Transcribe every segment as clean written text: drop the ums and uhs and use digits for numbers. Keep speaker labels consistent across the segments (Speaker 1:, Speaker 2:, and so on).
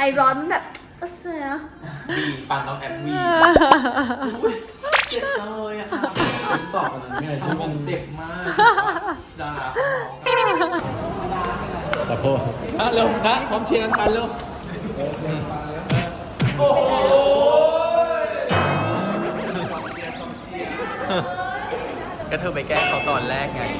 Speaker 1: ร้อนมันแบบเสียนะ
Speaker 2: วีปานต้องแอบวีเจ็บจังเลยอะค่ะ
Speaker 3: ต่อกันไงที่มัน
Speaker 2: เจ็บมากดาราเขา
Speaker 3: ขอโทษ
Speaker 2: เร็วนะพร้อมเชียร์กันไปเร็วโอ้โหก็เธอไปแก้เขาตอนแรกไง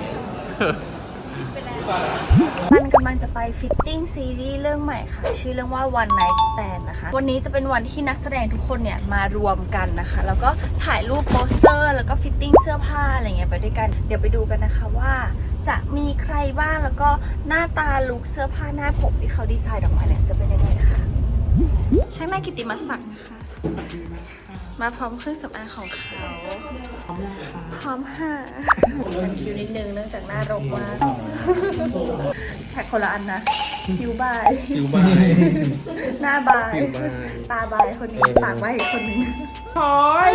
Speaker 1: มันกำลังจะไปฟิตติ้งซีรีส์เรื่องใหม่ค่ะชื่อเรื่องว่า One Night Stand นะคะวันนี้จะเป็นวันที่นักแสดงทุกคนเนี่ยมารวมกันนะคะแล้วก็ถ่ายรูปโปสเตอร์แล้วก็ฟิตติ้งเสื้อผ้าอะไรเงี้ยไปด้วยกันเดี๋ยวไปดูกันนะคะว่าจะมีใครบ้างแล้วก็หน้าตาลุคเสื้อผ้าหน้าผมที่เขาดีไซน์ออกมาเนี่ยจะเป็นยังไงค่ะช่างหน้ากิตติมศักดิ์นะคะมาพร้อมเครื่องสำอางของเขาพร้อมค่ะมันคิวนิดนึงเนื่องจากหน้ารกมากแท็กคนละอันนะคิวบายหน้าบายตาบายคนนี้ปากบายอีกคนนึง
Speaker 4: พอย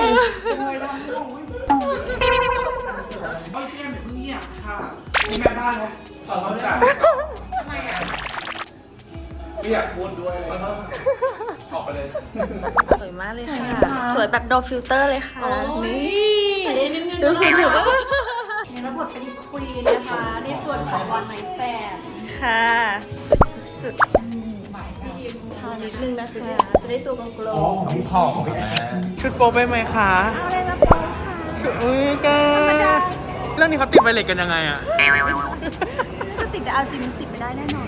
Speaker 4: เอาเตรียมเงียบค่ะมีแม่บ้านเขาขอโทษค่ะทำไมอ่ะไม่อยากพูดด้วยเลยออกไปเลย
Speaker 1: สวยมากเลยค่ะสวยแบบโนฟิลเตอร์เลยค่ะนี่ดูผิวก็
Speaker 5: รับบทเป็นควีนนะคะในส่วนของ One Night Stand
Speaker 1: ค่ะสุดทานิดนึงนะคะจะได้ตัวกลม
Speaker 2: ๆผอมชุดโป๊ไปไหมคะ
Speaker 1: เอาอะไรมาโป๊ค่ะ
Speaker 2: ชุดอุ้ยแกเรื่องนี้เขาติดไวเลสกันยังไงอะ
Speaker 1: ก็ติดแต่เอาจริงติดไม่ได้แน่นอน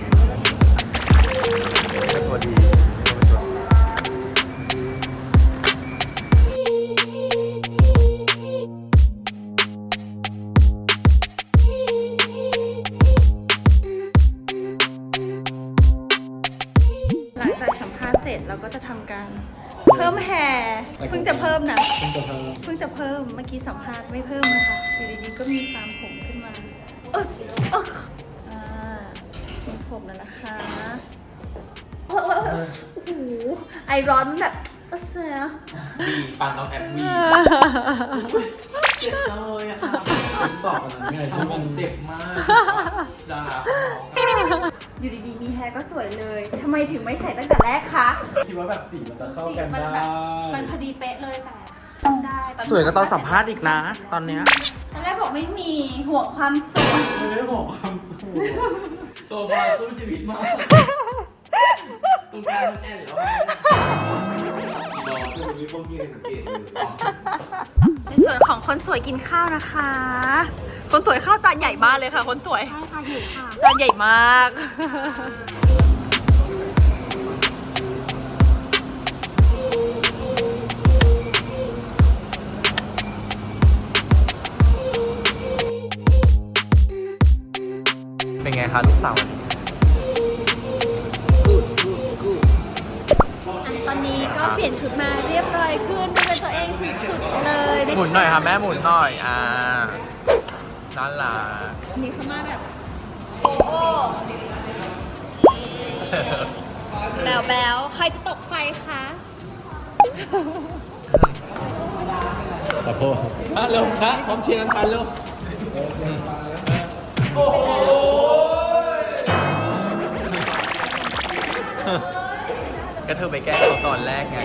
Speaker 2: พอดี
Speaker 1: หลังจากสัมภาษณ์เสร็จเราก็จะทำการเพิ่มแฮร์เพิ่งจะเพิ่มนะเพิ่งจะเพิ่มเมื่อกี้สัมภาษณ์ไม่เพิ่มนะคะอยู่ดีๆก็มีฟาร์มผมขึ้นมามีผมแล้วนะคะโอ้โหไอร้อนมันแบบเสียนะ
Speaker 2: วีปานต้องแอบวีเจ็บจังเลยอะค่ะ
Speaker 3: ต่อกันไงที่มัน
Speaker 2: เจ็บมากดาราเขา
Speaker 1: อยู่ดีๆมีแฮร์ก็สวยเลยทำไมถึงไม่ใส่ตั้งแต่แรกคะ
Speaker 3: คิดว่าแบบสีมันจะเข้ากันได้
Speaker 5: มันพอดีเป๊ะเลยแต่ได้
Speaker 2: สวยก็ตอนสัมภาษณ์อีกนะตอนเนี้ย
Speaker 5: ตอนแรกบอกไม่มีห่วงความสวย
Speaker 3: ไม่ได้ห่วงความสวย
Speaker 2: ตัวบอลตู้ชีวิตมากตัวการมันแอนแล้ว
Speaker 3: รอคือมีคนมีสังเกตอยู่
Speaker 1: ในส่วนของคนสวยกินข้าวนะคะคนสวยข้าวจานใหญ่มากเลยค่ะคนสวย
Speaker 5: ใช่ค่ะอยู่ค่ะ
Speaker 1: จานใหญ่มาก
Speaker 2: เป็นไงคะลูกสาว
Speaker 1: ตอนนี้ก็เปลี่ยนชุดมาเรียบร้อยขึ้นดูเป็นตัวเองสุดๆเลย
Speaker 2: หมุนหน่อยค่ะแม่หมุนหน่อยนั่นล่ะ
Speaker 1: นี่เขามาแบบแบวใครจะตกไฟคะ
Speaker 3: ขอโทษ
Speaker 2: เร็วนะพร้อมเชียร์กันไปเร็วโอ้โหก็เธอไปแก้เขาตอนแรกไง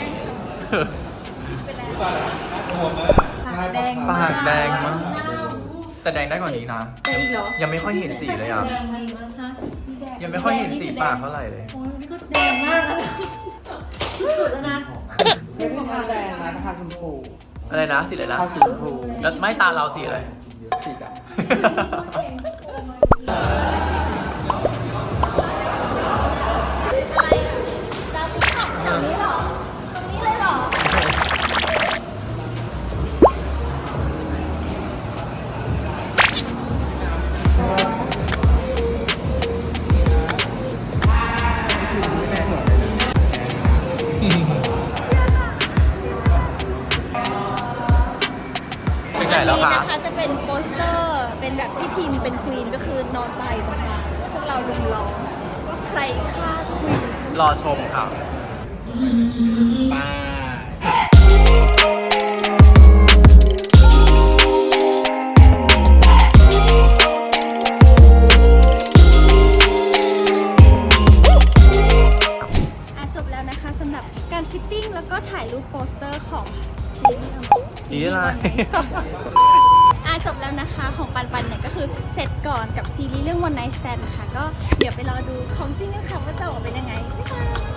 Speaker 1: ปากแดง
Speaker 2: มากแต่แดงได้กว่านี้นะยังไม่ค่อยเห็นสีเลยอ่ะยังไม่ค่อยเห็นสีปากเท่าไหร่เลย
Speaker 5: ก็แดงมากแล้วสุดแล้วนะ
Speaker 4: ไม่ใช่ทาแดงนะทาชมพู
Speaker 2: อะไรนะสีอะไรนะ
Speaker 4: ทาสีชมพู
Speaker 2: แล้วไม่ตาเราสีอะไร
Speaker 4: สีดำ
Speaker 2: เป็นไงแล้วคะ
Speaker 1: นะคะจะเป็นโปสเตอร์เป็นแบบพี่พิมเป็นควีนก็คือนอนไปตรงกลางแล้วพวกเราลุมล้อมว่าใครฆ่าควีน
Speaker 2: รอชมค่ะ
Speaker 1: จบแล้วนะคะแล้วก็ถ่ายรูปโปสเตอร์ของซีรีส์
Speaker 2: สีอะไร
Speaker 1: จบแล้วนะคะของปันเนี่ยก็คือเสร็จก่อนกับซีรีส์เรื่อง One Night Stand ค่ะก็เดี๋ยวไปรอดูของจริงกันค่ะว่าจะออกมาเป็นยังไงบ๊ายบาย